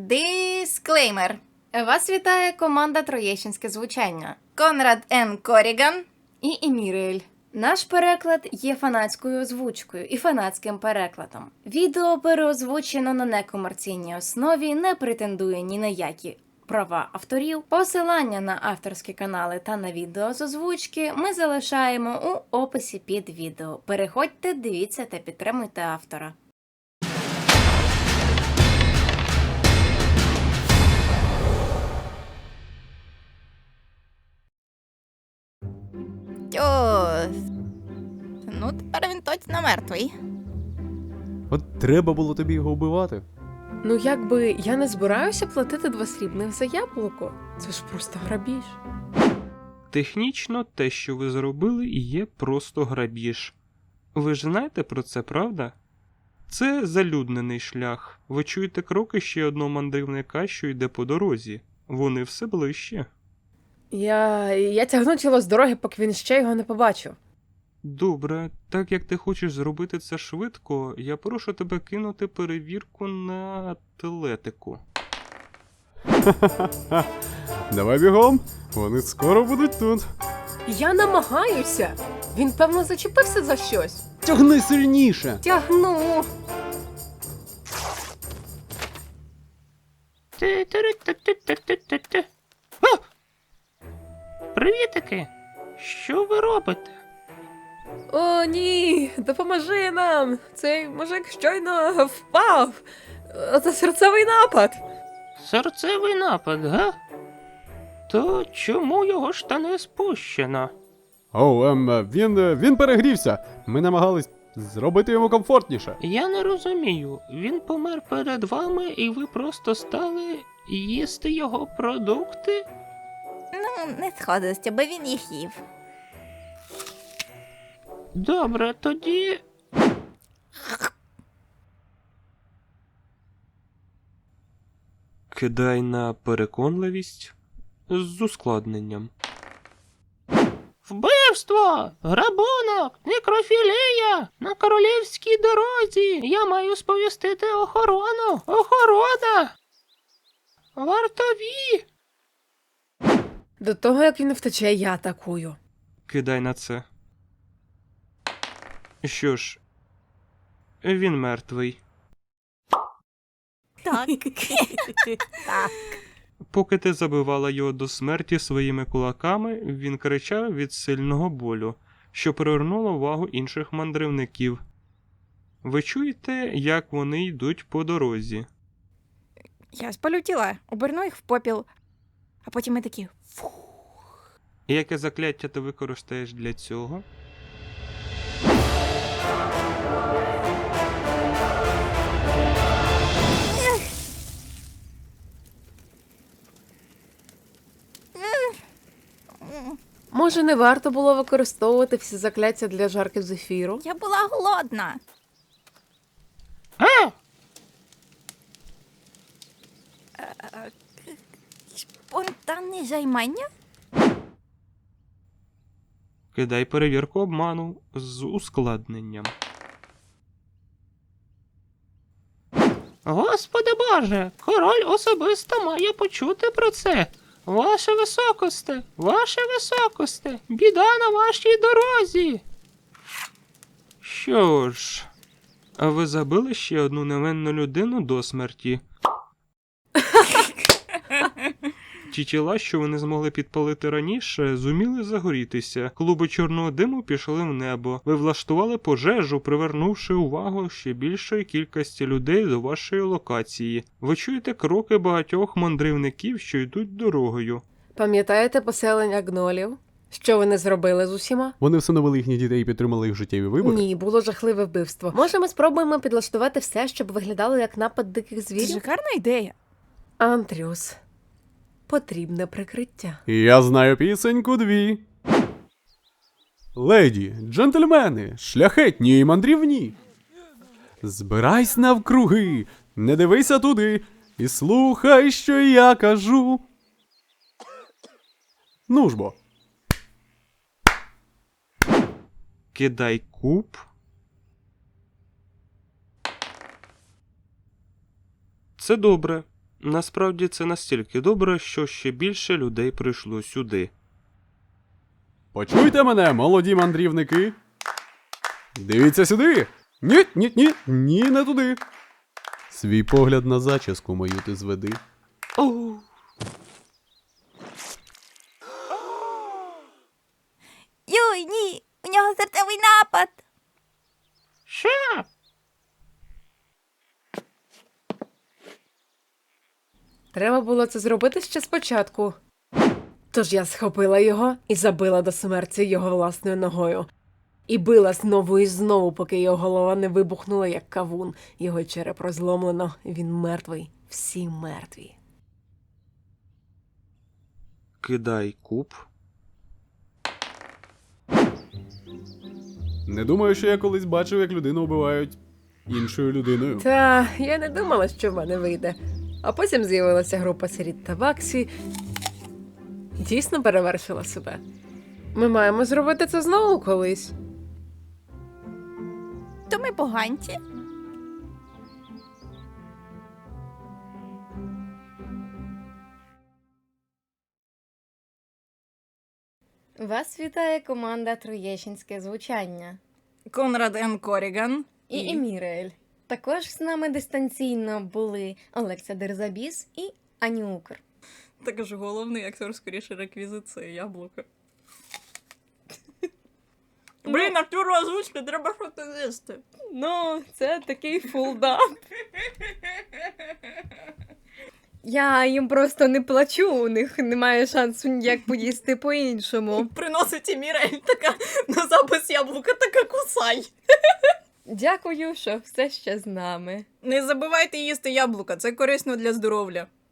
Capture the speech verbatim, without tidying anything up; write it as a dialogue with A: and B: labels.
A: Дисклеймер. Вас вітає команда Троєщинське звучання. Конрад Н. Коріган і Еміріель. Наш переклад є фанатською озвучкою і фанатським перекладом. Відео переозвучено на некомерційній основі, не претендує ні на які права авторів. Посилання на авторські канали та на відео з озвучки ми залишаємо у описі під відео. Переходьте, дивіться та підтримуйте автора.
B: Тьос. Ну, тепер він точно мертвий.
C: От треба було тобі його вбивати.
D: Ну, якби я не збираюся платити два срібних за яблуко. Це ж просто грабіж.
E: Технічно, те, що ви зробили, і є просто грабіж. Ви ж знаєте про це, правда? Це залюднений шлях. Ви чуєте кроки ще одного мандрівника, що йде по дорозі. Вони все ближче.
D: Я... я тягну тіло з дороги, поки він ще його не побачив.
E: Добре, так як ти хочеш зробити це швидко, я прошу тебе кинути перевірку на атлетику.
C: Давай бігом, вони скоро будуть тут.
D: Я намагаюся. Він, певно, зачепився за щось.
C: Тягни сильніше.
D: Тягну.
E: Ти-ти-ти-ти-ти-ти-ти. Привітики! Що ви робите?
D: О, ні, допоможи нам. Цей мужик щойно впав. Це серцевий напад.
E: Серцевий напад, га? То чому його штани спущено?
C: О, ем, він, е, він перегрівся. Ми намагались зробити йому комфортніше.
E: Я не розумію. Він помер перед вами і ви просто стали їсти його продукти?
B: Ну, не сходилося, бо він їх їв.
E: Добре, тоді... Кидай на переконливість з ускладненням. Вбивство! Грабунок! Некрофілія! На королівській дорозі! Я маю сповістити охорону! Охорона! Вартові!
D: До того, як він втече, я атакую.
E: Кидай на це. Що ж, він мертвий.
B: Так. Так.
E: Поки ти забивала його до смерті своїми кулаками, він кричав від сильного болю, що привернуло увагу інших мандрівників. Ви чуєте, як вони йдуть по дорозі?
B: Я спалю тіла, оберну їх в попіл, а потім ми такі...
E: І яке закляття ти використаєш для цього?
D: Може, не варто було використовувати всі закляття для жарки з ефіру?
B: Я була голодна.
E: А!
B: Спонтанне займання?
E: Кидай перевірку обману з ускладненням. Господи Боже, король особисто має почути про це. Ваше високосте, ваше високосте, біда на вашій дорозі. Що ж, а ви забили ще одну невинну людину до смерті? Ті тіла, що вони змогли підпалити раніше, зуміли загорітися. Клуби чорного диму пішли в небо. Ви влаштували пожежу, привернувши увагу ще більшої кількості людей до вашої локації. Ви чуєте кроки багатьох мандрівників, що йдуть дорогою.
D: Пам'ятаєте поселення гнолів? Що вони зробили з усіма?
C: Вони всиновили їхніх дітей і підтримали їх життєві вибори.
D: Ні, було жахливе вбивство. Може, ми спробуємо підлаштувати все, щоб виглядало як напад диких
B: Це
D: звірів?
B: шикарна ідея.
D: Антріус. Потрібне прикриття.
C: Я знаю пісеньку дві. Леді, джентльмени, шляхетні і мандрівні. Збирайсь навкруги, не дивися туди і слухай, що я кажу. Ну ж бо.
E: Кидай куб. Це добре. Насправді це настільки добре, що ще більше людей прийшло сюди.
C: Почуйте мене, молоді мандрівники. Дивіться сюди. Ні, ні, ні, ні, не туди. Свій погляд на зачіску мою ти зведи.
E: Оу.
B: Юй, ні, у нього серцевий напад.
E: Що?
D: Треба було це зробити ще спочатку. Тож я схопила його і забила до смерті його власною ногою. І била знову і знову, поки його голова не вибухнула, як кавун. Його череп розломлено, він мертвий. Всі мертві.
E: Кидай куб.
C: Не думаю, що я колись бачив, як людину вбивають іншою людиною.
D: Та я не думала, що в мене вийде. А потім з'явилася група сиріт та Ваксі. Дійсно перевершила себе. Ми маємо зробити це знову колись.
B: То ми поганці.
A: Вас вітає команда Троєщинське звучання
B: Конрад Н. Коріган.
A: і Емірель. Також з нами дистанційно були Олекса Дерзабіс і Ані Укр.
B: Так ж головний актор, скоріше, реквізит це яблуко. Блін, актору озвучки, треба щось їсти.
A: Ну, це такий фулдап. Я їм просто не плачу, у них немає шансу ніяк поїсти по-іншому.
B: Приносить і Мірель така на запис яблука, така кусай.
A: Дякую, що все ще з нами.
B: Не забувайте їсти яблука, це корисно для здоров'я.